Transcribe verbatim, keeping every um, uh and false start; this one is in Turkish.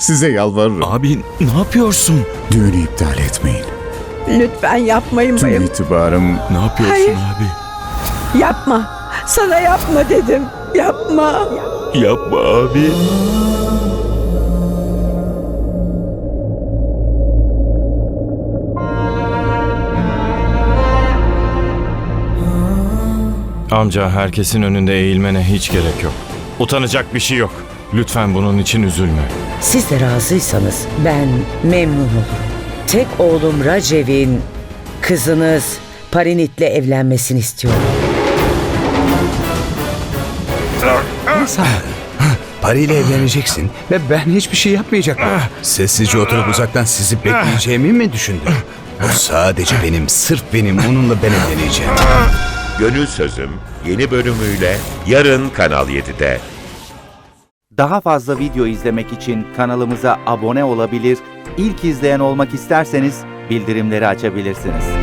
Size yalvarırım. Abi ne yapıyorsun? Düğünü iptal etmeyin. Lütfen yapmayın Tüm bayım. itibarım... Ne yapıyorsun Hayır. abi? Yapma. Sana yapma dedim. Yapma. Yapma abi. Amca, herkesin önünde eğilmene hiç gerek yok. Utanacak bir şey yok. Lütfen bunun için üzülme. Siz de razıysanız ben memnun olurum. Tek oğlum Racev'in kızınız Parinit'le evlenmesini istiyorum. Pari ile evleneceksin ve ben hiçbir şey yapmayacakım. Sessizce oturup uzaktan sizi bekleyeceğimi mi düşündün? O sadece benim, sırf benim. Onunla ben evleneceğim. Gönül Sözüm yeni bölümüyle yarın Kanal yedide. Daha fazla video izlemek için kanalımıza abone olabilir, ilk izleyen olmak isterseniz bildirimleri açabilirsiniz.